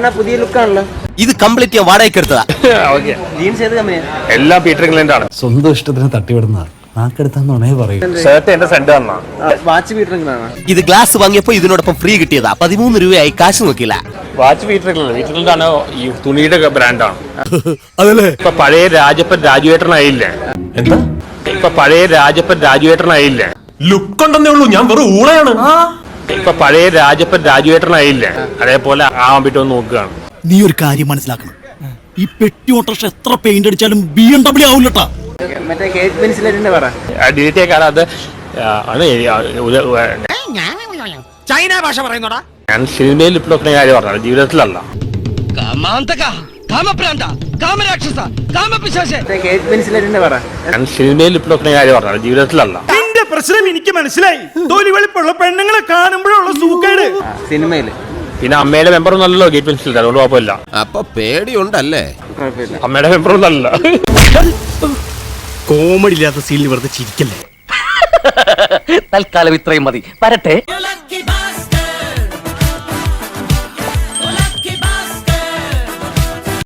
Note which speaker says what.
Speaker 1: പുതിയ ലുക്കാണല്ലോ.
Speaker 2: ഇത് കംപ്ലീറ്റ് ഞാൻ വാടകയ്ക്ക് എടുത്തതാ.
Speaker 1: ജീൻസ് ഏത് കമ്പനിയാ?
Speaker 3: എല്ലാം പീറ്റർ ഇംഗ്ലണ്ട് ആണ്.
Speaker 4: സ്വന്തം ഇഷ്ടത്തിന് തട്ടിവിടുന്ന നാക്കെടുത്താന്നുണേ പറയൂ.
Speaker 3: ഷർട്ട് എന്റെ ഫ്രണ്ട് തന്നാ.
Speaker 1: വാച്ച് പീറ്റർ ഇംഗ്ലണ്ടാണോ?
Speaker 2: ഇത് ഗ്ലാസ് വാങ്ങിയപ്പോ ഇതിനോടൊപ്പം ഫ്രീ കിട്ടിയതാ. 13 രൂപയായി, കാശ് നോക്കില്ല.
Speaker 3: Watch Peter England. Peter England ആണ് ഈ തുണിയുടെ ബ്രാൻഡാണ്.
Speaker 4: അതല്ലേ
Speaker 3: ഇപ്പൊ പഴയ രാജപ്പൻ രാജുവേട്ടനായില്ലേ?
Speaker 4: എന്താ
Speaker 3: ഇപ്പൊ പഴയ രാജപ്പൻ രാജുവേട്ടനായില്ലേ?
Speaker 4: ലുക്ക് ഉണ്ടെന്നേ ഉള്ളൂ, ഞാൻ വെറും ഊളയാണ്.
Speaker 3: ഇപ്പൊ പഴയ രാജപ്പൻ രാജുവേട്ടനായില്ലേ? അതേപോലെ ആവാൻ പറ്റുമെന്ന് നോക്കുകയാണ്.
Speaker 5: നീ ഒരു കാര്യം മനസ്സിലാക്കണം, ഈ പെട്ടി ഓട്ടോറിക്ഷ എത്ര പെയിന്റ് അടിച്ചാലും BMW ആവൂലട്ടാ.
Speaker 1: മറ്റേ കേക്ക് പെൻസിലേറ്റിന്റെ പറ.
Speaker 3: ഡിലീറ്റ് കാരണം അത് ആണ്
Speaker 5: ചൈന ഭാഷ പറയുന്നോടാ.
Speaker 3: ഞാൻ സിനിമയിൽ ഇപ്പോൾ കാര്യം പറഞ്ഞത്, ജീവിതത്തിലല്ല.
Speaker 1: മറ്റേ കേക്ക് പെൻസിലേറ്റിന്റെ പറ.
Speaker 3: ഞാൻ സിനിമയിൽ ഇപ്പോൾ കാര്യം പറഞ്ഞത്, ജീവിതത്തിലല്ല.
Speaker 5: നിന്റെ പ്രശ്നം എനിക്ക് മനസ്സിലായി. തൊലി വെളുപ്പുള്ള പെണ്ണുങ്ങളെ കാണുമ്പോഴുള്ള സൂക്കേട്.
Speaker 1: സിനിമയില്
Speaker 3: പിന്നെ അമ്മയുടെ മെമ്പറൊന്നും അല്ലല്ലോ ഗേറ്റ് പെൻസിൽ, അതുകൊണ്ട് കുഴപ്പമില്ല.
Speaker 2: അപ്പൊ പേടിയുണ്ടല്ലേ?
Speaker 1: കുഴപ്പമില്ല.
Speaker 3: അമ്മയുടെ മെമ്പറൊന്നും അല്ല.
Speaker 5: കോമഡി ഇല്ലാത്ത സീനിൽ വെറുതെ ചിരിക്കല്ലേ.
Speaker 6: തൽക്കാലം ഇത്രയും മതി. വരട്ടെ.